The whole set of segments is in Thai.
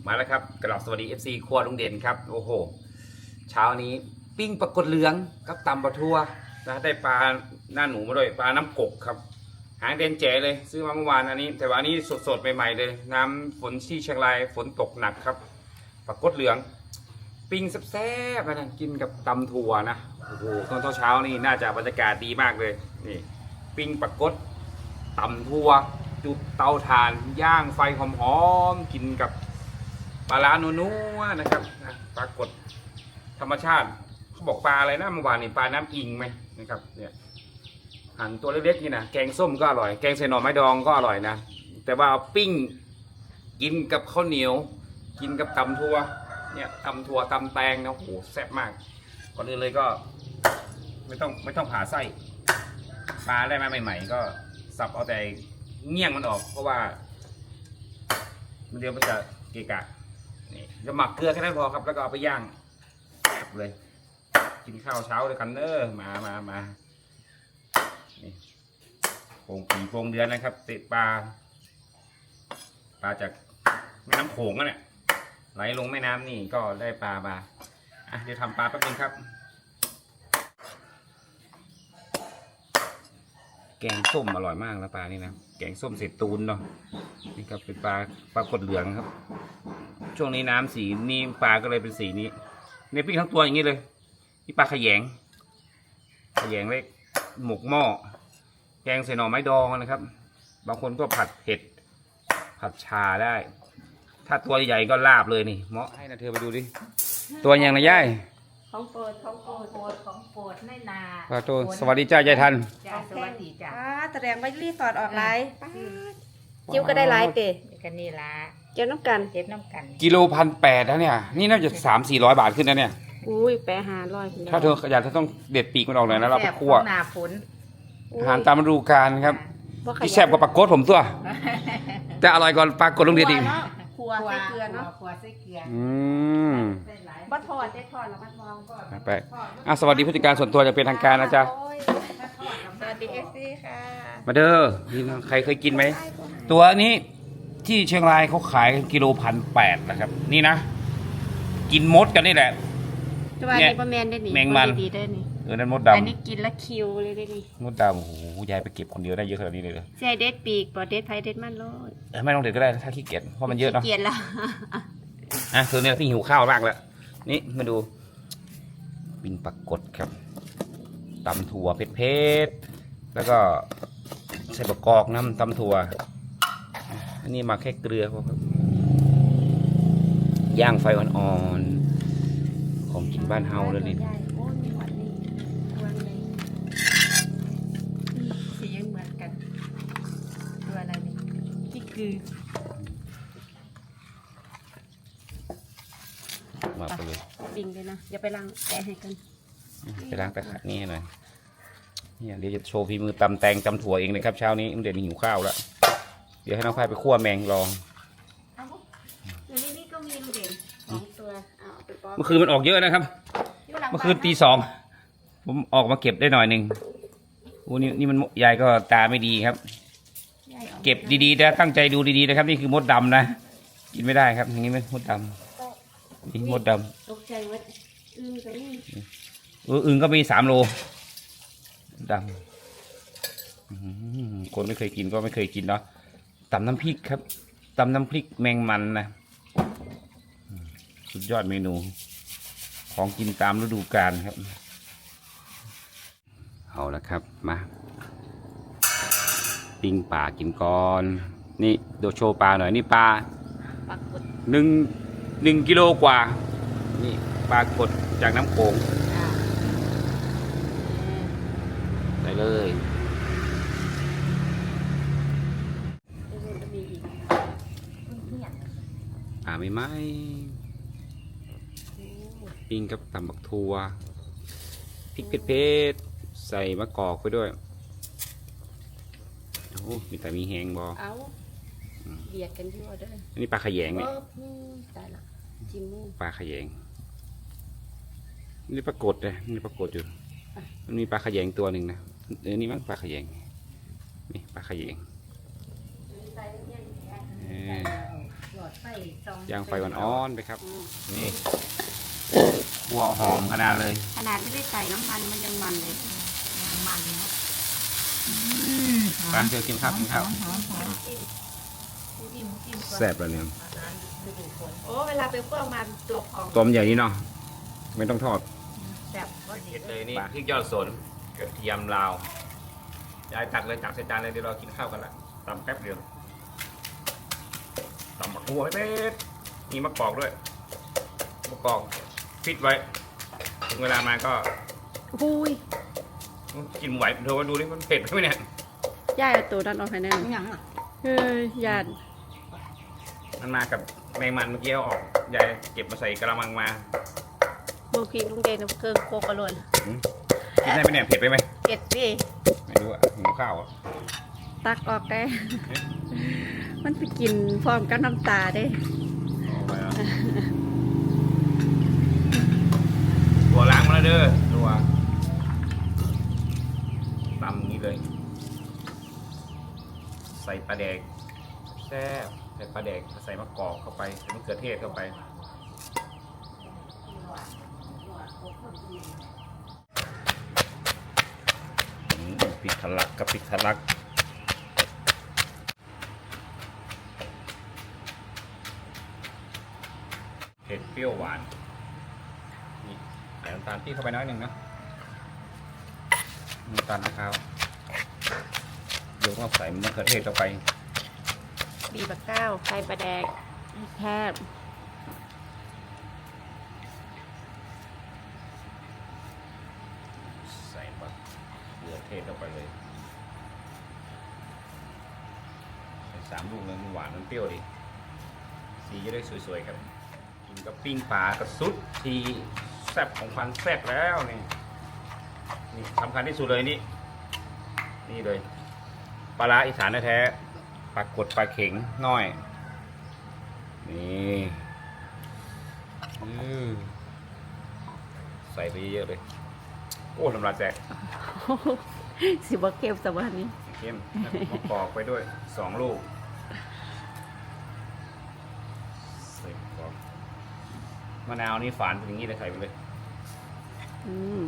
มาแล้วครับกลับสวัสดี FC ครัวลุงเด่นครับโอ้โหเช้านี้ปิ้งปลากดเหลืองกับตำปลาทัวนะได้ปลาหน้าหนูมาด้วยปลาน้ำกกครับหางเด่นแจ๋เลยซื้อมาเมื่อวานอันนี้แต่ว่านี้สดๆใหม่ๆเลยน้ำฝนที่เชียงรายฝนตกหนักครับปลากดเหลืองปิ้งแซ่บๆนะกินกับตำถั่วนะโอ้โหตอนเช้านี่น่าจะบรรยากาศดีมากเลยนี่ปิ้งปลากดตำถั่วจุดเตาถ่านย่างไฟหอมๆกินกับปลาร้านัวๆนะครับปลากดธรรมชาติเขาบอกปลาอะไรนะเมื่อวานนี่ปลาน้ำอิงไหมนะครับเนี่ยหั่นตัวเล็กๆนี่นะแกงส้มก็อร่อยแกงใส่หน่อไม้ดองก็อร่อยนะแต่ว่าเอาปิ้งกินกับข้าวเหนียวกินกับตำถั่วเนี่ยตำถั่วตำแตงนะโอ้โหแซ่บมากก่อนอื่นเลยก็ไม่ต้องผ่าไส้ปลาได้มาใหม่ๆก็สับเอาแต่เงี้ยงมันออกเพราะว่ามันเดี๋ยวมันจะเกะกะนี่จะหมักเกลือแค่นั้นพอครับแล้วก็เอาไปย่างเลยกินข้าวเช้าด้วยกันเนอะมานี่โป่งปีโป่งเดือนนะครับติดปลาจากแม่น้ำโขงนั่นแหละไหลลงแม่น้ำนี่ก็ได้ปลามาเดี๋ยวทำปลาแป๊บนึงครับแกงส้มอร่อยมากแล้วปลานี่นะแกงส้มเสร็จตูนเนาะนี่ครับเป็นปลากดเหลืองครับช่วงนี้น้ำสีนี่ปลาก็เลยเป็นสีนี้ในปิ้งทั้งตัวอย่างนี้เลยนี่ปลาขยงเล็กหมกหม้อแกงใส่หน่อไม้ดองนะครับบางคนก็ผัดเผ็ดผัดชาได้ถ้าตัวใหญ่ก็ลาบเลยนี่เหมาะให้นะเธอไปดูดิตัวยังนะย่ายของโปรดไม่นาปลาโตสวัสดีจ้ายายทันจ้าสวัสดีจ้าแสดงว่ารีสอร์ทออกไลน์จิ้วก็ได้ไลน์เตะกันนี่ละเจ้าน้ำกันกิโล1,800นะเนี่ยนี่น่าจะ300-400 บาทขึ้นนะเนี่ยอุ้ยแปะ500 ถ้าเธออยากต้องเด็ดปีกมันออกหน่อยนะเราไปคั่วหน้าฝนอาหารตามฤดูกาลครับที่แซ่บกว่าปลากดผมตัวแต่อร่อยกว่าปลากดลุงเด่นอีกครัวใส่เกลือเนาะครัวใส่เกลือบัดทอดได้ทอดแล้วบัดมองไปสวัสดีผู้จัดการส่วนตัวจะเป็นทางการนะจ๊ะสวัสดีเอฟซีค่ะมาเด้อนี่ใครเคยกินไหมตัวนี้ที่เชียงรายเขาขายกิโล1,800นะครับนี่นะกินมดกันนี่แหละเนี่ยแมงมันนั่นมดดำอันนี้กินแล้วคิวเลยได้ดิมดดำโอ้โหยายไปเก็บคนเดียวได้เยอะขนาดนี้เลยใช่เด็ดปีกปอดเด็ดไผ่เด็ดมันโลดไม่ต้องเด็ดก็ได้ถ้าขี้เกียจเพราะมันเยอะเนาะขี้เกียจแล้วเธอเนี่ยพี่หิวข้าวมากแล้วนี่มาดูปิ้งปลากดครับตำถั่วเผ็ดๆแล้วก็ใส่บะกอกน้ำตำถั่วอันนี้มาแค่เกลือครับย่างไฟอ่อนๆของกินบ้านเฮาเลยนี่สียังเหมือนกันตัวอะไรนี่ที่คือมาไปเลยปิ้งเลยนะอย่าไปล้างแกะให้กันไปล้างตะขัดนี่หน่อยเนี่ยเดี๋ยวจะโชว์ฝีมือตำแตงตำถั่วเองนะครับเช้านี้เดี๋ยวหิวข้าวแล้วเดี๋ยวให้น้องฝ้ายไปคั่วแมงลองนี่ก็มีเด่น2ตัวเมื่อคืนมันออกเยอะนะครับเมื่อคืนตี 2ผมออกมาเก็บได้หน่อยหนึ่งโอ้นี่มันยายก็ตาไม่ดีครับเก็บดีๆนะตั้งใจดูดีๆนะครับนี่คือมดดำนะกินไม่ได้ครับอย่างนี้มันมดดำนี่มดดำตกใจว่าอึ่งก็นี่อึ่งก็มี3 โลดำคนไม่เคยกินก็ไม่เคยกินเนาะตำน้ำพริกครับตำน้ำพริกแมงมันนะสุดยอดเมนูของกินตามฤดูกาลครับเอาละครับมาปิ้งปลากินก่อนนี่เดี๋ยวโชว์ปลาหน่อยนี่ปลา1 กิโลกว่านี่ปลากดจากน้ำโขงได้เลยไม่ไหมปิ้งกับตำบักทัวพริกเผ็ดๆใส่มะกอกไปด้วยโอ้มีแต่มีแหงบอเอาเบียดกันยั่วด้วยอันนี้ปลาขยงเนี่ยตายละจิมมูปลาขยงนี่ปรากฏเลยนี่ปรากฏอยู่มันมีปลาขยงตัวหนึ่งนะนี่มั้งปลาขยงนี่ปลาขยงไฟซองย่างไฟอ่อนๆไปครับนี่หัวหอมขนาดเลยขนาดไม่ได้ใส่น้ำมันมันยังมันเลยมันนะร้านเธอกินข้าวกินข้าวจิ้มก่อนแซ่บแล้วเนี่ยฤดูฝนโอ้เวลาไปคั่วมาตัวของต้มใหญ่นี้เนาะไม่ต้องทอดแซ่บก็ดีเผ็ดเลยนี่พริกยอดสนกระเทียมลาวยายตักเลยตักใส่จานเลยเดี๋ยวเรากินข้าวกันละตำแป๊บเดียวตำบักหัวให้เป็ดมีมะกอกด้วยมะกอกฟิตไว้ถึงเวลามาก็หุยกินไหวเธอมาดูดิมันเผ็ดไหมเนี่ยย่าเอาตัวนั้นออกให้แน่ยังอ่ะเฮ้ยยานมันมากับแมงมันเมื่อกี้เอาออกยายเก็บมาใส่กระมังมาโบกีลุงเดนเอาเครื่องโคกกระโลนกินได้ไหมเนี่ยเผ็ดไปไหมเก็ดสิไม่รู้อ่ะหิวข้าวอ่ะตักออกได้ มันไปกินพร้อมกับน้ำตาได้เอาไปแล้วตัวล้างมาแล้วเด้อตัวตำอย่างนี้เลย ใส่ปลาแดกแซ่บใส่ปลาแดกใส่มะกอกเข้าไปใส่มะเขือเทศเข้าไปพริกทะลักกับพริกทะลักเผ็ดเปรี้ยวหวานนี่ใส่น้ำตาลปี๊บเข้าไปน้อยหนึ่งนะน้ำตาลมะพร้าวยกมาใส่มะเขือเทศเข้าไปบีบะก้าวไข่ปลาแดกแคบใส่มะเขือเทศเข้าไปเลยใส่3 ลูกเลยมันหวานมันเปรี้ยวดีสีจะได้สวยๆครับกินกับปิ้งปลากระสุดทีแซ่บของพันแซ่บแล้วนี่นี่สำคัญที่สุดเลยนี่นี่เลยปลาร้าอีสานแท้ๆปลากดปลาเข็งน้อยนี่ใส่ไปเยอะๆเลยโอ้ลำลายแจกสิบเก็บสวัสนี้เข้มมะกอกไปด้วย2 ลูกใส่มะกอกมะนาวนี่ฝานเป็นอย่างนี้เลยใส่ไปเลยอืม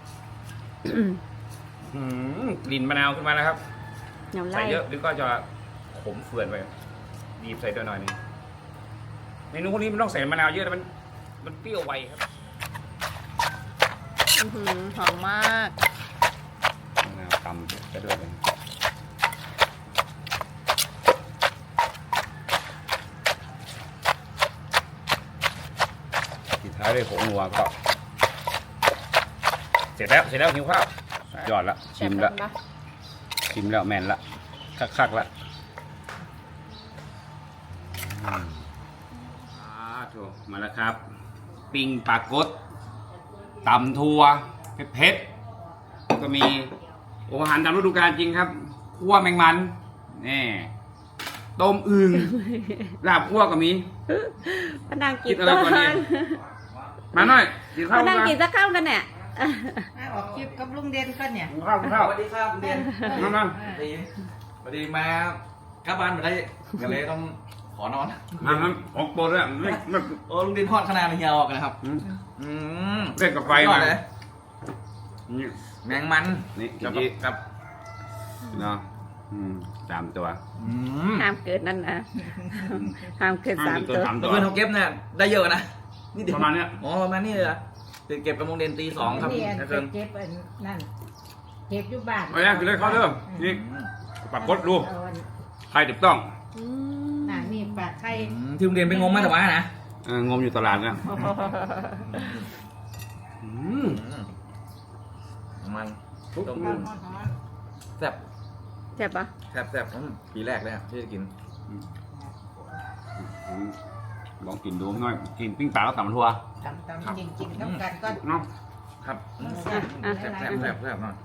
กลิ่นมะนาวขึ้นมาแล้วครับน้ำใส่ไล่เยอะหรือก็จะขมเฟื่อนไปบีบใส่ตัวหน่อยนึงเมนูพวกนี้มันต้องใส่มะนาวเยอะแต่มันเปรี้ยวไวครับอื้อหือหอมมากมะนาวตำไปด้วยเลยปิดท้ายด้วยผงนัวก็เสร็จแล้วหิวข้าวยอดละชิมละ ชิมแล้วแม่นละคักๆละถูกมาแล้วครับ ปิ้งปลากดตำทัวเผ็ดๆก็มีอาหารตามฤดูกาลจริงครับคั่วแมงมันนี่ต้มอึ่งลาบคั่วก็มีมานั่งกิคินดอะไรก่อนดี มาหน่อยกินข้าวมานั่งมากินสักข้าวกันเนี่ยออกคลิปกับลุงเด่นก็เนี่ยกินข้าวกินข้าวสวัสดีครับคุณเดียนมาสวัสดีมากลับบ้านมาได้ก็เลยต้องขอนอนมาออกโปรด้วยไม่โอ้ลุงเดียนทอดขนาดเฮียออกนะครับ อืมเล่นกับไฟยอมาดเลยนี่แมงมันนี่กับอีกกับเนาะ3 ตัวอืมห้ามเกินนั่นนะห้ามเกิน3 ตัว 3 เมื่ตัอวคืนเขาเก็บเนี่ยได้เยอะนะนี่เดี๋ยวประมาณเนี้ยอ๋อประมาณนี้เลยเหรอตื่นเก็บกับลุงเดียนตี 2ครับนี่นะครัเก็บอันนั่นเก็บอยู่บ้านเอาเนี่ยกินเลยข้าวเด้อนี่ปากกดดูเอาอันใครถูกต้องอืมน่ะนี่ปลาไข่ที่ลุงเดียนไปงมมาแต่ว่านะงมอยู่ตลาดเนี่ยมันทุกต้มร้อึ่อนงร้อนแซ่บเจ็บปะแซ่บปีแรกเลยอะที่จะกินลองกินดูหน่อยกินปิ้งปลาแล้วตำทัวตำจริงๆต้องกันก็เนาะครับอ่ะแซ่บมาก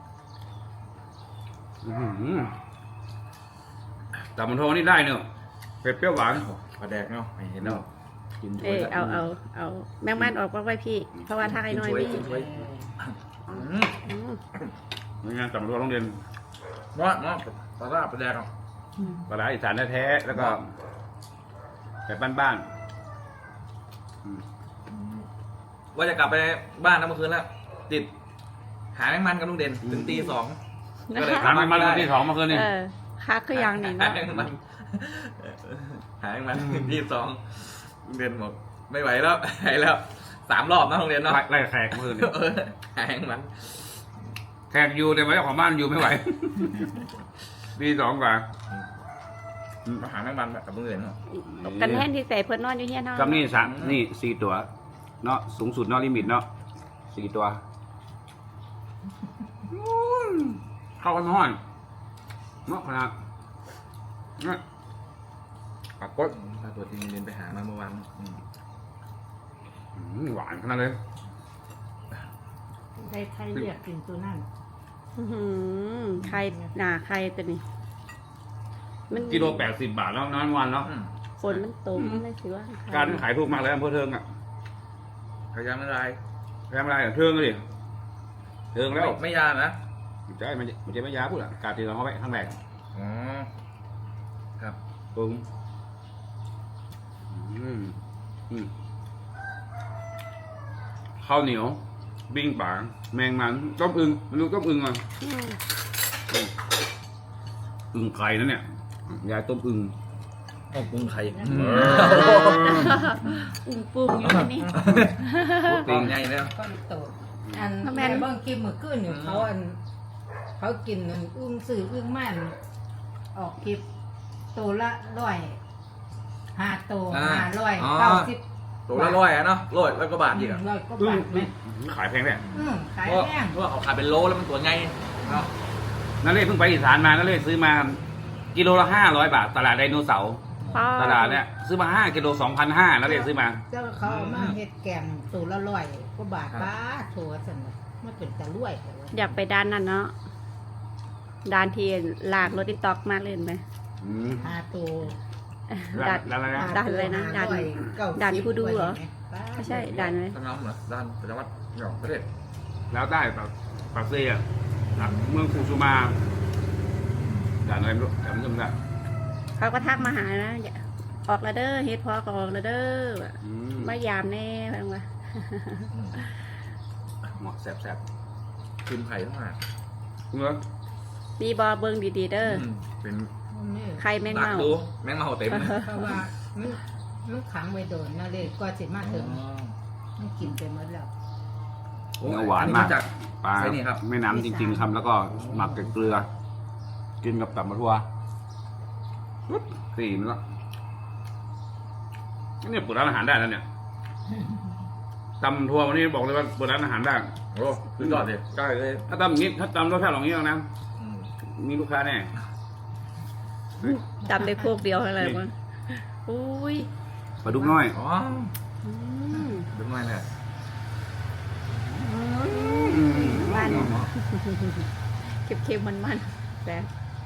ตำมันทัวนี่ได้เนอะเผ็ดเปรี้ยวหวานปลาแดกเนาะเห็นแล้วกินถ้เอวยอเอาแมงมันออกมาไว้พี่ เพราะว่าถ้าไอ้น้อยกินี่กินถ้วยอืมนี่ไงตำมันทัวโรงเรียนเนาะปลาแดกอ่ะปลาร้าอีสานแท้ๆแล้วก็แบบบ้านๆว่าจะกลับไปบ้านนะเมื่อคืนแล้วติดหาแมงมันกับลุงเด่นถึงตี 2ก็เลยถามมันมาที่สองเมื่อคืนนี่เออคักคือยังนี่หาเนาะแมงมันหาแมงมันถึงตี 2ลุงเด่นบอกไม่ไหวแล้วหายแล้ว3 รอบนะลุงเด่นเนาะไล่แขกเมื่อคืนนี่หาแมงมันแขกอยู่แต่ว่าเจ้าของบ้านอยู่ไม่ไหวปีสองกว่ามาหาแมงมันกับลุงเด่นเนาะกันแห้งที่ใส่เพิ่นนอนอยู่เฮียนเฮากับนี่สามนี่4 ตัวเนาะสูงสุดเนาะลิมิตเนาะ4 ตัวเข้ากันห้อนเนาะขนาดนะปากกดพาตัวทีมเด่นไปหามาเมื่อวานหวานขนาดเลยใครใครเรียกกินตัวนั่นอื้อหือไข่หนาไข่ตัวนี้มันกิโล80 บาทแล้วนั้นวันเนาะฝนมันตกมันเลยสิว่าไข่การขายถูกมากเลยอำเภอเทิงอ่ะพยายามไม่ได้แพงอะไรเทิงเลยเทิงแล้วไม่ยานะใช่มันจะไม่ยาพูดอ่ะการตีเราเข้าไปข้างแรกอ๋อครับปึ้งข้าวเหนียวบิ้งป่าแมงมันต้มอึ่งมันรู้ต้มอึ่งอ่ะอืมอึ่งไข่นั่นเนี่ยยายต้มอึ่งต้องปรุงไข่อุ้งปุ้งอยู่ที่นี่ปรุงใหญ่แล้วก็โตอันทำไมแม่เบิ่งกินมื้อคืนอยู่เขาอันเขากินอันอึ้งสื่ออึ้งมันออกคลิปตัวละ100 5ตัว590 ตัวละ100อ่ะเนาะ100แล้วก็บาทอีกอ่ะร้อยกว่าบาทไหมขายแพงแหละขายเพราะแพงว่าเขาขายเป็นโลแล้วมันตัวใหญ่เนาะนั่นเลยเพิ่งไปอีสานมานั่นเลยซื้อมากิโลละ500 บาทตลาดไดโนเสาร์ตลาดเนี่ยซื้อมา5 กิโล 2,500นั่นเลยซื้อมาเจ้าเขาเอามาเฮ็ดแกงตัวละ100กว่าบาทป้าโถซั่นน่ะมันเป็นตะรวยแต่ว่าอยากไปด้านนั้นเนาะด้านที่ลากรถติ๊กต็อกมาเล่นไหม 5ตัวด้านอะไรนะด่านอะไรนะด่านด่านผู้ดูเหรอ ไม่ใช่ด้านไหมต้นน้ำเหรอด้านประจำวัดหยองประเทศแล้วได้ปากเซียเมืองฟูซูมาด่านอะไรไม่รู้จำไม่ได้เขาก็ทักมาหานะอย่าออกแล้วเด้อเฮ็ดพอก็ออกแล้วเด้อมายามแน่เพิ่นว่าเหมาะแซ่บคืนไข่ทั้งหมดๆเงื้อมีบ่เบิ่งดีๆเด้อเป็นไข่แมงดักเม่าดูแมงเม่าเต็มเลยเพราะว่ามันขังไว้โดนนะเลยก็สิมาถึงมันกินไปหมดแล้วเนื้อหวานมากจากปลาใช่นี่ครับแม่น้ำจริงๆครับแล้วก็หมักกับเกลือ กินกับตับมะทั่วปุ๊บสี่มันละนี่เปิดร้านอาหารได้แล้วเนี่ยตำทัวร์วันนี้บอกเลยว่าเปิดร้านอาหารได้โอ้คือยอดเลยใช่เลยถ้าตำอย่างนี้ถ้าตำรสชาติอย่างนี้นะมีลูกค้าแน่จำได้พวกเดียวอะไรมั้งอุ้ยปลาดุกน้อยอ๋ออืมดูหน่อยเนี่ยบ้านเค็มๆมันๆแต่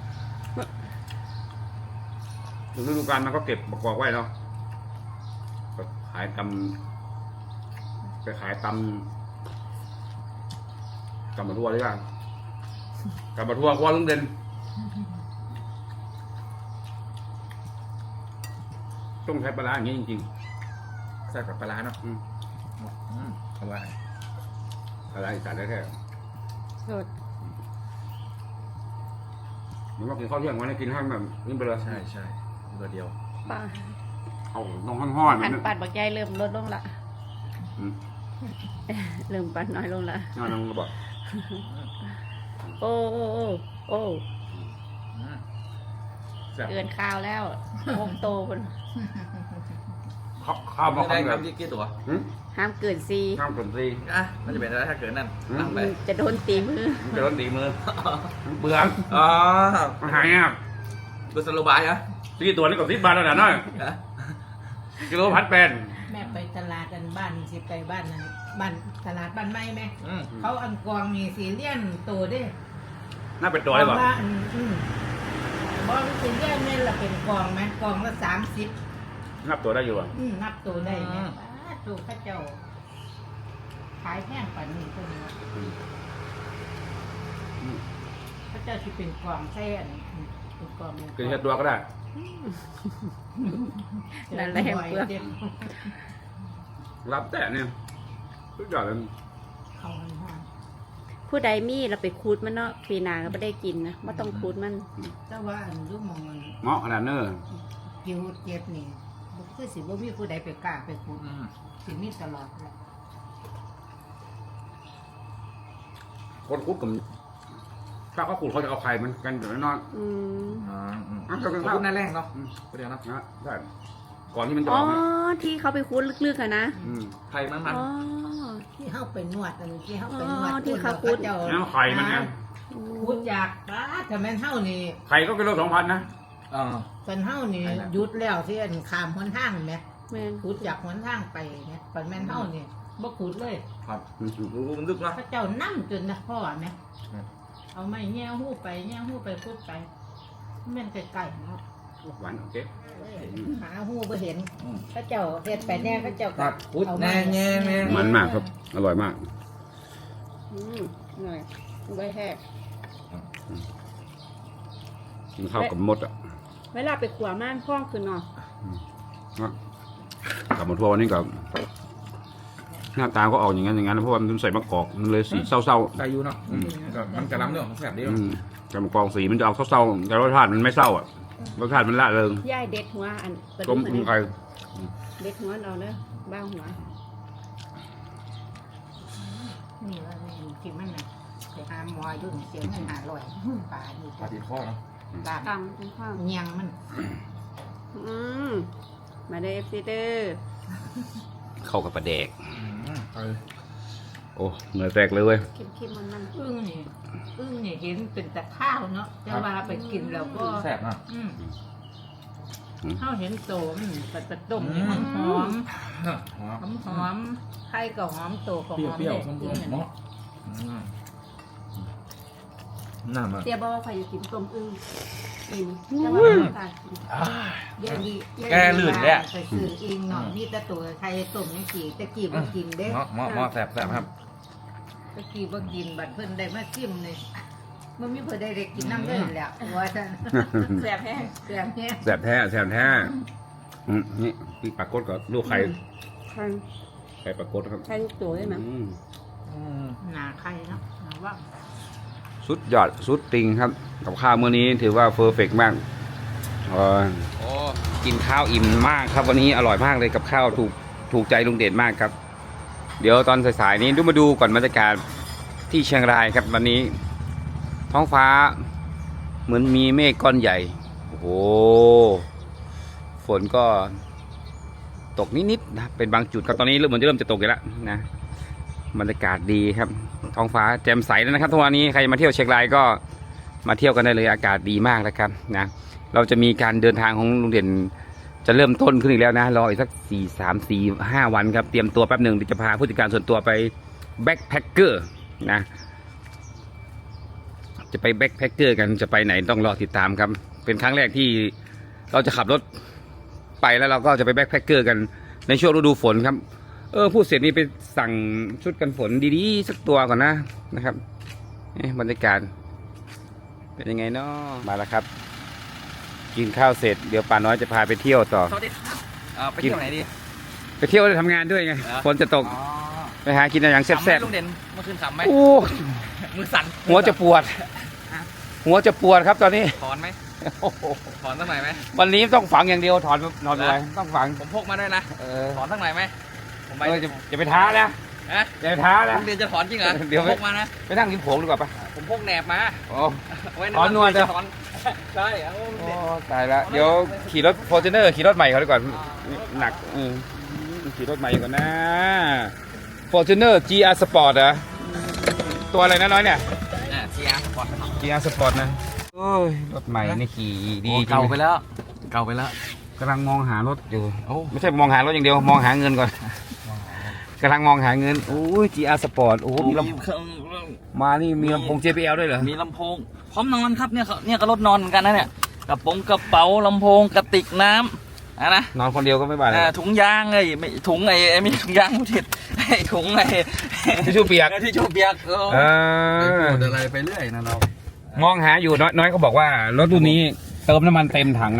ถึงฤดูกาลมันก็เก็บประกอบไว้เนาะก็ขายตำไปขายตำมะทั่วหรือยังตำมะทั่วครัวลุงเด่นต้องใช้ปลาร้าอย่างนี้จริงใส่กับปลาร้าเนาะๆอร่อยปลาร้าอีสานได้แค่สดมันก็กินข้าวเที่ยงวันนี้กินให้แบบนี้ไปเลยใช่ใช่ตัวเดียวป้าเอาต้องห้อนๆอัมัน นปัดบักใหญ่เริ่มลดลงละอืมเริ่มปัดน้อยลงละน้องก็บอกโอ้โอ้โอ้โอ้แซ่บเกินข้าวแล้วโอ้โตคนข้าวมาได้คำคแบรับบ กี่ตัวห้ามเกินซีข้าวกลนตีอ่ะมันจะเป็นอะไรถ้าเกิดนั่นนั่งไปจะโดนตีมือมันจะร้อนตีมือเบื่ออ๋อมันหายากกุศโลบายเหรอตีตัวนี้ก็10 บาทแล้วนะน้อยกิโลพัดเป็นแม่ไปตลาดอันบ้านสิไปบ้านนั้นบ้านตลาดบ้านไม้ไหมอืมเขาอันกวางมีสีเลี่ยนโตเด้น่าเป็นตัวเลยบอกว่าบ่สีเลี่ยนนี่ละเป็นกองไหมกองละ30 นับตัวได้อยู่อ่ะนับตัวได้แม่ตัวข้าเจ้าขายแพงกว่านี้ตัวนี้ข้าเจ้าที่เป็นกองใช่อันเป็นกองกินแค่ตัวก็ได้เนั่นแหละแห่งเปลือกรับแต่เนี่ยทุกอย่างเลยเขามันห้อนผู้ใดมีเราไปคูดมันเนาะปีหนาก็ไม่ได้กินนะไม่ต้องคูดมันแต่ว่าอันรู้มองมันเงาะขนาดเนอคิวเจ็บนี่บ่คือสิบ่มีผู้ใดไปกล้าไปขุดสิมีตลอดแหละคนคุดกับถ้าเขาขุดเขาจะเอาไข่มันกันอยู่แน่นอนอืมขอบคุณนั่นแรกเนาะเดี๋ยวนะนะใช่ก่อนที่มันจะอ๋อออกนะที่เขาไปคูดลึกๆอะนะมไข่มันอ๋อที่เฮาไปนวดอันที่เฮาไปนวดอ๋อที่เขาขุดเจ้าแล้วไข่มันไงขุดจากป้าถ้าแม่นเฮานี่ไข่ก็กิโล2,000นะกันเฮานี่หยุดแล้วที่อันข้ามหนทางแหมแม่นขุดจากหนทางไปเนี่ยปันแม่นเฮานี่บ่ขุดเลยครับรู้มันลึกเนาะพระเจ้านั่จนนะพ่อแหมเอาไม้แง่หู้ไปแง่หู้ไปขุดไปแม่นไกลๆเนาะหวานโอเคหาหู้บ่เห็นพระเจ้าเฮ็ดไปแน่พระเจ้าครับพุดเอาแน่แน่แน่มันมากครับ อร่อยมากหน่อยใบแห้งกินข้าวกับมดอ่ะเวลาไปขัวม่านคล้องคือเนาะกลับมาทัวร์วันนี้กับหน้าตาก็ออกอย่างนั้นเพราะว่ามันใส่มะกอกมันเลยสีเศร้าใส่อยู่เนาะมันกระลำเนาะแสบดีๆเนาะกับมะกอกสีมันจะออกเศร้าๆแต่รสชาติมันไม่เศร้าอ่ะรสชาติมันละเริงย่ายเด็ดหัวอันกระต้ดูมกอันกุ้งนี้ไข่เด็ดหัวเราเนอะบ้าหัวนี่ว่านี่ที่มันน่ะไปหาหมออยู่นี่เสียเงิน500ป่านี่ปลาติดข้อเนาะบ้านตำเป็นข้าวเงียงมันมาเด้อซีเดอร์เข้ากับปลาแดกโอ้เหนื่อยแตกเลยเว้ยเข้มๆมันอึ้งนี่เห็นเป็นแต่ข้าวเนาะแต่ว่าไปกินแล้วก็แสบเนาะข้าวเห็นโตมันเป็นต้มนี่หอมหอมไข่ก็หอมโตก็หอมเปรี้ยวด็ดๆส้มๆเนาะน่ามาๆเตียบอกว่าใครจะกินต้มอึ่งอิ่มแต่ว่าไม่กล้ากินเดี๋ยวนี้แกลื่นเลยอะไปซื้อเองเนาะมีแต่ตัวไข่ต้มนี่กี่ตะกี้บ่กินเด้เนาะหม้อแสบครับตะกี้บ่กินบัดเพิ่นได้มาชิมเลยมันมีเพิ่นได้กินน้ำเลยแหละว่าซั่นแสบแห้งเสียงแฮะแสบแท้แสบแท้นี่พี่ปลากดกับลูกไข่ใช่ไข่ปลากดครับใช่ลูกตัวใช่ไหมหนาไข่เนาะหนาว่าสุดยอดสุดติงครับกับข้าวมื้อนี้ถือว่าเพอร์เฟกต์มากกินข้าวอิ่มมากครับวันนี้อร่อยมากเลยกับข้าวถูกใจลุงเด่นมากครับ เดี๋ยวตอนสายๆนี้มาดูก่อนบรรยากาศที่เชียงรายครับวันนี้ ท้องฟ้าเหมือนมีเมฆก้อนใหญ่โอ้โหฝนก็ตกนิดๆนะเป็นบางจุดครับตอนนี้เหมือนจะเริ่มจะตกอีกแล้วนะบรรยากาศดีครับท้องฟ้าแจ่มใสแล้วนะครับทุกวันนี้ใครมาเที่ยวเชียงรายก็มาเที่ยวกันได้เลยอากาศดีมากนะครับนะเราจะมีการเดินทางของลุงเด่นจะเริ่มต้นขึ้นอีกแล้วนะรออีกสัก3-4-5 วันครับเตรียมตัวแป๊บหนึ่งจะพาผู้จัดการส่วนตัวไปแบ็คแพคเกอร์นะจะไปแบ็คแพคเกอร์กันจะไปไหนต้องรอติดตามครับเป็นครั้งแรกที่เราจะขับรถไปแล้วเราก็จะไปแบ็คแพคเกอร์กันในช่วงฤดูฝนครับพูดเสร็จนี่ไปสั่งชุดกันฝนดีๆสักตัวก่อนนะครับบรรยากาศเป็นยังไงเนาะมาแล้วครับกินข้าวเสร็จเดี๋ยวป่าน้อยจะพาไปเที่ยวต่อสวัสดีครับไปเที่ยวไหนดีไปเที่ยวได้ทำงานด้วยไงฝนจะตกไปหากินอะไรอย่างแซ่บลุงเด่นเมื่อคืนขำไหมๆโอ้มือสั่นหัวจะปวดครับตอนนี้ถอนไหมโอ้โหถอนสักหน่อยไหมวันนี้ต้องฝังอย่างเดียวถอนอะไรต้องฝังผมพกมาด้วยนะถอนสักหน่อยไหมผมไปจะไปท้านะฮะอย่าไปท้านะลุงเด่นจะถอนจริงเหรอเดี๋ยวพกมานะไปนั่งกินผงดีกว่าปะผมพกแหนบมาโอ้ไว้ถอนนวลจะจ้ะถอนใช่เอาโอ้ตายละเดี๋ยวขี่รถฟอร์จูเนอร์ขี่รถใหม่เขาดีกว่าหนักขี่รถใหม่ก่อนนะฟอร์จูเนอร์ GR Sport เหรอตัวอะไรนะน้อยเนี่ย GR Sport GR Sport นะโอ้ยรถใหม่นี่ขี่ดีจริงเก่าไปแล้วกำลังมองหารถอยู่โอ้ไม่ใช่มองหารถอย่างเดียวมองหาเงินก่อนกำลังมองหาเงินโอ้ย GR Sport โอ้มีลำมานี่มีลำโพง JBL ด้วยเหรอมีลำโพงพร้อมนอนครับเนี่ยก็รถนอนเหมือนกันนะเนี่ยกระเป๋าลำโพงกระติกน้ำนะนอนคนเดียวก็ไม่บาดเลยถุงยางไม่ถุงไม่ถุงยางผู้ผิดถุงทิชชู่เปียกที่ชูเปียกพูดอะไรไปเรื่อยนะเรามองหาอยู่น้อยเขาบอกว่ารถรุ่นนี้เติมน้ำมันเต็มถังนะครับ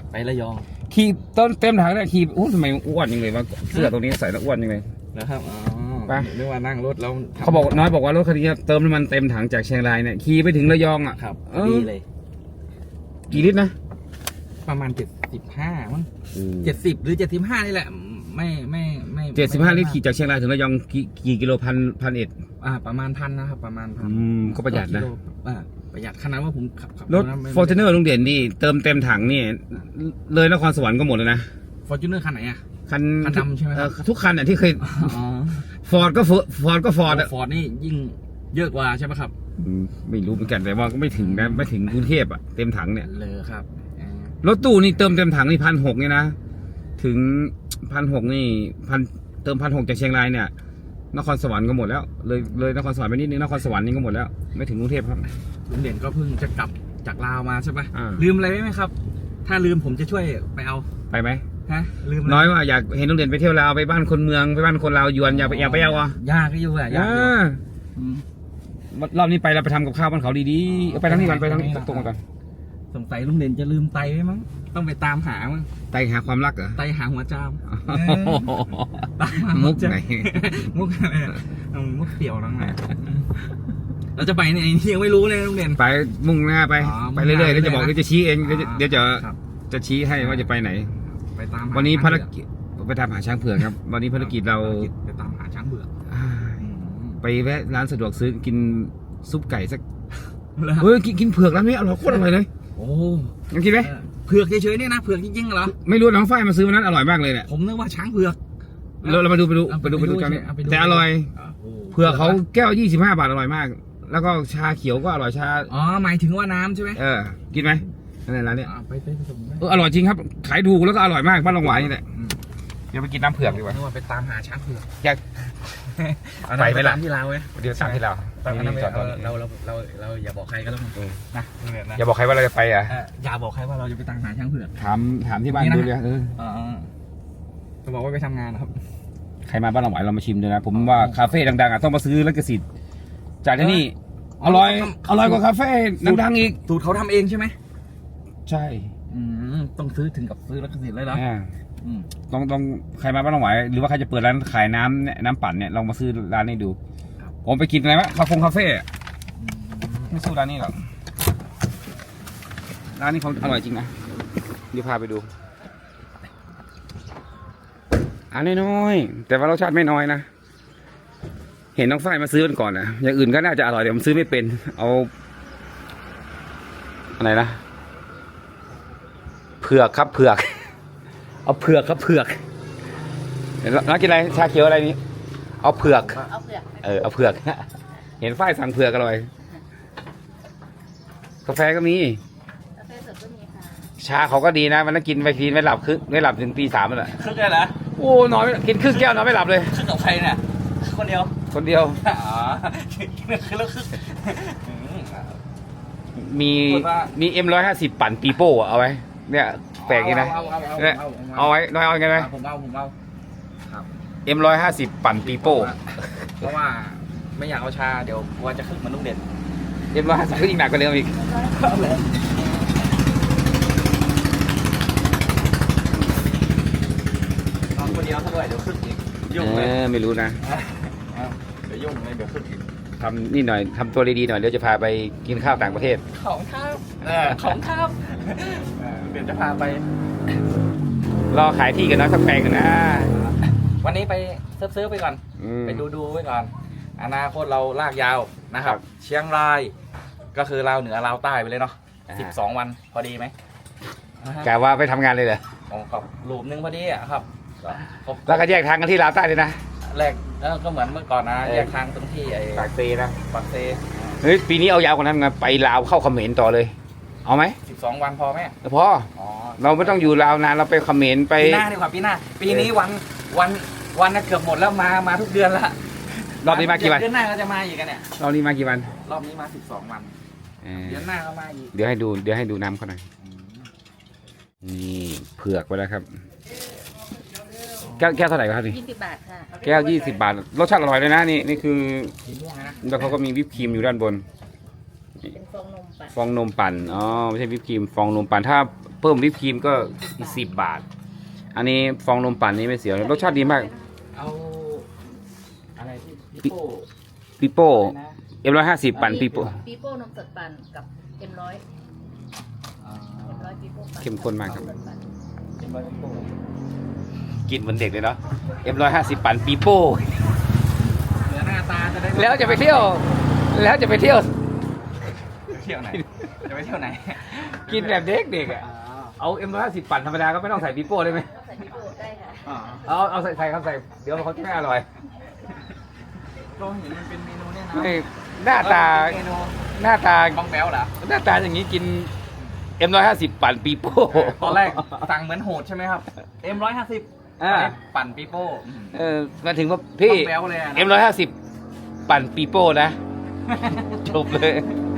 ไประยองขี่ต้นเต็มถังเนี่ยขี่อู้ทำไมอ้วนยังเลยวะเสื้อตรงนี้ใส่แล้วอ้วนยังเลยนะครับอ๋อไปเรียกว่านั่งรถแล้วเขาบอกน้อยบอกว่ารถคันนี้เติมน้ำมันเต็มถังจากเชียงรายเนี่ยขี่ไปถึงระยองอ่ะครับเออดีเลยกี่ลิตรนะประมาณ75มั้ง70หรือ75นี่แหละไม่ 75 ลิตรขี่จากเชียงรายถึงระยองกี่กิโลพันเอ็ดประมาณ1,000นะครับประมาณ1,000 ก็ประหยัดนะประหยัดขนาดว่าผมขับรถฟอร์จูเนอร์ลุงเด่นนี่เติมเต็มถังนี่เลยนครสวรรค์ก็หมดแล้วนะฟอร์จูเนอร์คันไหนอ่ะคันคันดำใช่ไหมครับทุกคันอ่ะที่เคยอ๋อฟอร์ดก็ฟอร์ดอ่ะฟอร์ดนี่ยิ่งเยอะกว่าใช่ไหมครับไม่รู้เหมือนกันแต่ว่าก็ไม่ถึงนะไม่ถึงกรุงเทพอ่ะเต็มถังเนี่ยเลยครับรถตู้นี่เติมเต็มถังนี่1,600เนี่ยนะถึง1,600นี่เติม1,600จากเชียงรายเนี่ยนครสวรรค์ก็หมดแล้วเลยนครสวรรค์ไปนิดนึงนครสวรรค์นี่ก็หมดแล้วไม่ถึงกรุงเทพครับลุงเด่นก็เพิ่งจะกลับจากลาวมาใช่ปะอ่าลืมอะไรไหมครับ ถ้าลืมผมจะช่วยไปเอาไปไหมฮะลืมะไรน้อยว่าอยากเห็นลุงเด่นไปเที่ยวลาวไปบ้านคนเมืองไปบ้านคนลาวยวนอยากไปเอาอ่ะยากก็อยู่อะยากอยู่อืมรอบนี้ไปเราไปทำกับข้าวบ้านเขาดีๆเอาไปทางนี้ก่อนไปทางนี้ตรงๆก่อนสงสัยลุงเด่นจะลืมไตไว้มั้งต้องไปตามหามั้งไตหาความรักเหรอไตหาหัวจามมุกไหนมุกอะไรอะมุกเปี่ยวนั่งไงเราจะไปในที่ยังไม่รู้เลยลุงเด่นไปมุ่งหน้าไปอ๋อไปเรื่อยๆมุ่งหน้าเดี๋ยวจะบอกเรื่อยๆเดี๋ยวจะชี้เองอ๋อเดี๋ยวจะครับจะชี้ให้ว่าจะไปไหนไปตามหาวันนี้ช้งภารเผือกกิจไปตามหาช้างเผือกครับ วันนี้ภารกิจเราไปตามหาช้างเผือกไปแวะร้านสะดวกซื้อกินซุปไก่สักแล้วเฮ้ยกินเผือกร้านนี้อร่อยโคตรอร่อยเลยโอ้ยังกินไหมเผือกเฉยๆเนี่ยนะเผือกจริงๆเหรอไม่รู้น้องฝ้ายมาซื้อวันนั้นอร่อยมากเลยเนี่ยผมนึกว่าช้างเผือกเรามาดูเอาไปดูกันเอาไปดูแต่อร่อยโอ้เผือกเขาแก้ว25 บาทอร่อยมาก แล้วก็ชาเขียวก็อร่อยชาอ๋อหมายถึงว่าน้ำใช่ไหมกินไหมนั่นแหละร้านเนี้ยไปผสมไหมอร่อยจริงครับขายถูกแล้วก็อร่อยมากบ้านลงหวายนี่แหละเดี๋ยวไปกินน้ำเผือกดีกว่านึกว่าไปตามหาช้างเผือกอยากเอาไปไหมล่ะตามที่เราเว้ยเดี๋ยวตามที่เราตามนั้นนี่ไปจอดตรงนี้เราอย่าบอกใครก็แล้วกันนะนะอย่าบอกใครว่าเราจะไปอ่ะอย่าบอกใครว่าเราจะไปตามหาช้างเผือกถามที่บ้านนี่นะดูเลยจะบอกว่าไปทำงานนะครับใครมาบ้านเราไหวเรามาชิมด้วยนะ ผมว่าคาเฟ่ดังๆอ่ะต้องมาซื้อลิขสิทธิ์จากที่นี่อร่อยกว่าคาเฟ่ดังๆอีกสูตรเขาทำเองใช่ไหมใช่ต้องซื้อถึงกับซื้อแล้วก็สิทธิ์เลยเหรอต้องใครมาบ้านเราไหวหรือว่าใครจะเปิดร้านขายน้ำปั่นเนี่ยลองมาซื้อร้านนี้ดู ผมไปกินอะไรวะคาเฟ่อะไม่สู้ร้านนี้หรอกร้านนี้เขาอร่อยจริงนะเดี๋ยวพาไปดูอันน้อยๆแต่ว่ารสชาติไม่น้อยนะเห็นน้องฝ้ายมาซื้อกันก่อนนะอย่างอื่นก็น่าจะอร่อยแต่ผมซื้อไม่เป็นเอาอะไรนะเผือกครับเผือกเอาเผือกครับเผือกน้องกินอะไรชาเขียวอะไรนี้เอาเผือกเอาเผือกเอาเผือก เห็นฝ้ายสั่งเผือกอร่อยกาแฟก็มีกาแฟสดก็มีค่ะชาเขาก็ดีนะมันต้องกินไปทีไม่หลับไม่หลับถึงตี 3นั่นแหละครึ่งเลยเหรอโอ้นอนกินครึ่งแก้วนอนไม่หลับเลยครึ่งกับใครเนี่ยคนเดียวคนเดียวอ๋อคือแล้วครึ่งมีM150 ปั่นปีโป้อะเอาไว้เนี่ยแปลกดีนะเนี่ยเอาไว้น้อยเอาไงไหมผมเอา M150 ปั่นปีโป้เพราะว่าไม่อยากเอาชาเดี๋ยวกลัวจะขึ้นเหมันลุงเด่น M150 ก็ยิ่งหนักกว่าเดิมอีกนอนคนเดียวซะด้วยเดี๋ยวขึ้นอีกยุ่งเลยไม่รู้นะเดี๋ยวยุ่งเลยเดี๋ยวขึ้นอีกทำนี่หน่อยทำตัวดีๆหน่อยเดี๋ยวจะพาไปกินข้าวต่างประเทศของครับของครับเดี๋ยวจะพาไปรอขายที่กันนะสักแปลงกันนะวันนี้ไปซื้อไปก่อน ไปดูไว้ก่อน อนาคตเราลากยาวนะครับ เชียงรายก็คือลาวเหนือลาวใต้ไปเลยเนาะ12 วันพอดีไหมกะว่าไปทำงานเลยเหรอของกับรูปนึงพอดีอ่ะครับครบแล้วก็แยกทางกันที่ลาวใต้เลยนะแรกก็เหมือนเมื่อก่อนนะแยกทางตรงที่ไอ้ปากเซนะปากเซเฮ้ยปีนี้เอายาวกว่านั้นไงไปลาวเข้าเขมรต่อเลย เอาไหม 12 วันพอไหมพออ๋อเราไม่ต้องอยู่ลาวนานเราไปเขมรไปปีหน้าดีกว่าปีหน้า ปีนี้วันน่ะเกือบหมดแล้วมาทุกเดือนละรอบนี้มากี่วันเดือนหน้าก็จะมาอีกกันเนี่ยรอบนี้มากี่วันรอบนี้มา12 วัน เดือนหน้าก็มาอีกเดี๋ยวให้ดูน้ำเขาหน่อยนี่เผือกไปแล้วครับแก้วเท่าไหร่ครับนี่ 20 บาทค่ะแก้ว20 บาทรสชาติอร่อยเลยนะนี่คือสีม่วงนะแล้วเขาก็มีวิปครีมอยู่ด้านบนเป็นฟองนมปั่นฟองนมปั่นอ๋อไม่ใช่วิปครีมฟองนมปั่นถ้าเพิ่มวิปครีมก็อีก10 บาท อันนี้ฟองนมปั่นนี้ไม่เสียรสชาติดีมากเอาอะไรที่พี่โป้ปีโป้อะไรนะ M150 ปั่นปีโป้ปีโป้นมสดปั่นกับM100 อ่า M100 ปีโป้ปั่นเข้มข้นมากครับเป็นร้อยพี่โป้กินเหมือนเด็กเลยเนาะ M150 ปั่นปีโป้เหนือหน้าตาจะได้แล้วจะไปเที่ยว แล้วจะไปเที่ยวเที่ยวไหนจะไปเที่ยวไหนกินแบบเด็กๆอ่ะ เอา M150 ปั่นธรรมดาก็ไม่ต้องใส่ปีโป้ได้ไหมใส่ปีโป้ได้ค่ะเอาใส่ครับใส่ เดี๋ยวเขาจะไม่อร่อยก็เห็นมันเป็นเมนูเนี่ยนะไม่หน้าตาเมนูหน้าตาบ้องแบ๊วเหรอหน้าตาอย่างนี้กิน M150 ปั่นปีโป้ตอนแรกสั่งเหมือนโหดใช่ไหมครับ M150 อ่าปั่นปีโป้มาถึงว่าพี่บ้องแบ๊วเลยอะนะ M150 ปั่นปีโป้นะ จบเลย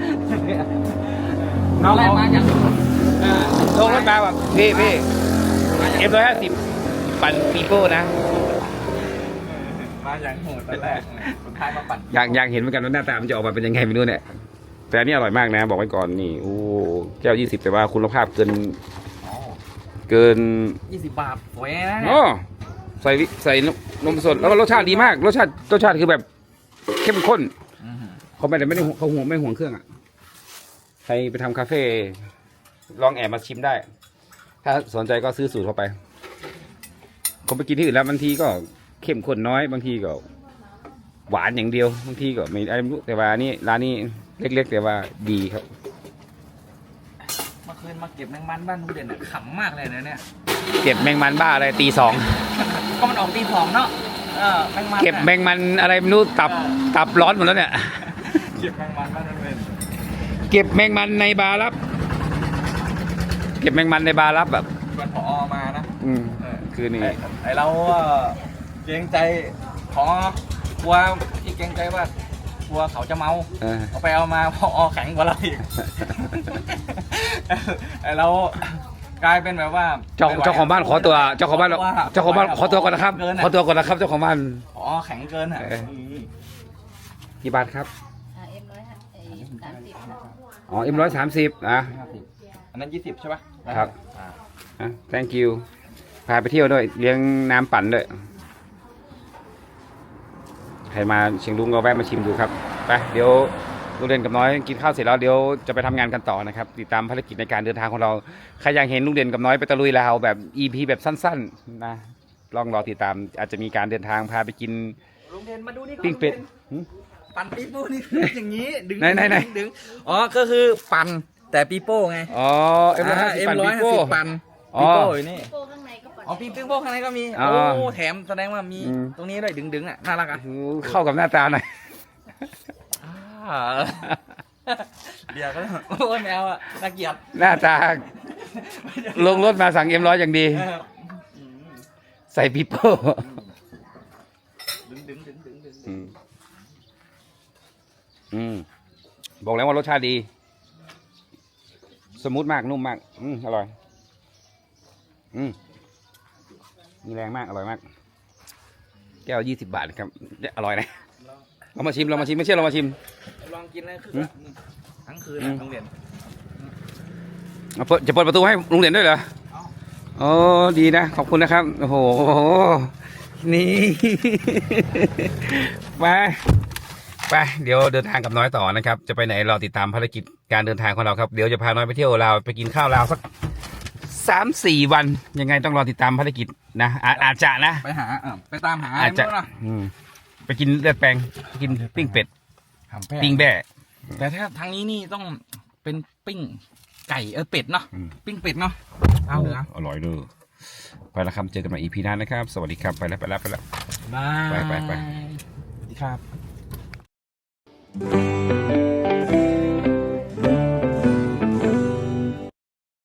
ตอนแรกมาอย่างลงรถมาแบบพี่ M150 ปั่นปีโป้นะมาอย่างโหดตอนแรกสุดท้ายมาปั่นอยากเห็นเหมือนกันว่าหน้าตามันจะออกมาเป็นยังไงไม่รู้เนี่ย แต่อันนี้อร่อยมากนะ บอกไว้ก่อนนี่โอ้แก้ว20แต่ว่าคุณภาพเกิน 20 บาทสวยนะอ๋อใส่นมสดแล้วก็รสชาติดีมากรสชาติคือแบบเข้มข้นเขาไม่ได้เขาไม่ห่วงเครื่องอ่ะใครไปทำคาเฟ่ลองแอบมาชิมได้ ถ้าสนใจก็ซื้อสูตรเข้าไปผมไปกินที่อื่นแล้วบางทีก็เข้มข้นน้อยบางทีก็หวานอย่างเดียวบางทีก็ไม่อะไรไม่รู้แต่ว่านี่ร้านนี้เล็กๆแต่ว่าดีครับเมื่อคืนมาเก็บแมงมันบ้านลุงเด่นอะขำมากเลยนะเนี่ยเก็บแมงมันบ้าอะไรตี 2 ก็มันออกตีสองเนาะแมงมันเก็บแมงมันอะไรไม่รู้ตับร้อนหมดแล้วเนี่ยเก็บแมงมันบ้านลุงเด่นเก็บแมงมันในบาร์รับ เก็บแมงมันในบาร์รับแบบชวนผอมานะคือนี่ไอเราเกรงใจผอกลัวที่เกรงใจว่ากลัวเขาจะเมา เอาไปเอามาพอแข็งกว่าเราอีก ไอเรากลายเป็นแบบว่าเจ้าของบ้านขอตัวเจ้าของบ้านขอตัวก่อนนะครับขอตัวก่อนนะครับเจ้าของบ้านพอแข็งเกินอ่ะกี่บาทครับ M130 ค่ะอ๋อ M130 อ่ะอันนั้น20ใช่ปะครับ thank you พาไปเที่ยวด้วยเลี้ยงน้ำปั่นด้วยใครมาเชียงรุ้งก็แวะมาชิมดูครับไปเดี๋ยวลุงเด่นกับน้อยกินข้าวเสร็จแล้วเดี๋ยวจะไปทำงานกันต่อนะครับติดตามภารกิจในการเดินทางของเราใครอยากเห็นลุงเด่นกับน้อยไปตะลุยลาวแบบ EP แบบสั้นๆนะลองรอติดตามอาจจะมีการเดินทางพาไปกินลุงเด่นมาดูนี่ปิ้งเป็ดปั่นปีโป้นี่อย่างนี้ดึงไหนดึงอ๋อก็คือปั่นแต่ปีโป้ไงอ๋อ M150 ปั่นปีโป้ปั่นอ๋อปีโป้อยู่นี่ปีโป้ข้างในก็ปั่นอ๋อปีโป้ข้างในก็มีอ๋อโอ้แถมแสดงว่ามีอืมตรงนี้ด้วยดึงอ่ะน่ารักอ่ะเข้ากับหน้าตาหน่อยเดี๋ยวก็โอ้ยแมวอ่ะน่าเกลียดหน้าตาลงรถมาสั่งM100อย่างดี ใส่ปีโป้ดึงบอกแล้วว่ารสชาติดี สมูทมากนุ่มมากอร่อยมีแรงมากอร่อยมาก แก้ว20 บาทครับอร่อยนะเรามาชิมไม่เชื่อเรามาชิมลองกินเลยคือทั้งคืนโรงเรียนจะเปิดประตูให้ลุงเด่นด้วยเหรอโอ้ดีนะขอบคุณนะครับโอ้โหนี่ ไปเดี๋ยวเดินทางกับน้อยต่อนะครับจะไปไหนเราติดตามภารกิจการเดินทางของเราครับเดี๋ยวจะพาน้อยไปเที่ยวลาวไปกินข้าวลาวสัก3-4 วันยังไงต้องรอติดตามภารกิจนะอาจจะนะไปหาไปตามหาอาจจะไม่รู้นะไปกินเลือดแปลงไปกินปิ้งเป็ดปิ้งแบ่แต่ถ้าทางนี้นี่ต้องเป็นปิ้งไก่เป็ดเนาะปิ้งเป็ดเนาะเอาเหรออร่อยเลยไปแล้วครับเจอกันใหม่ EP หน้านะครับสวัสดีครับไปแล้วบายไปสวัสดีครับ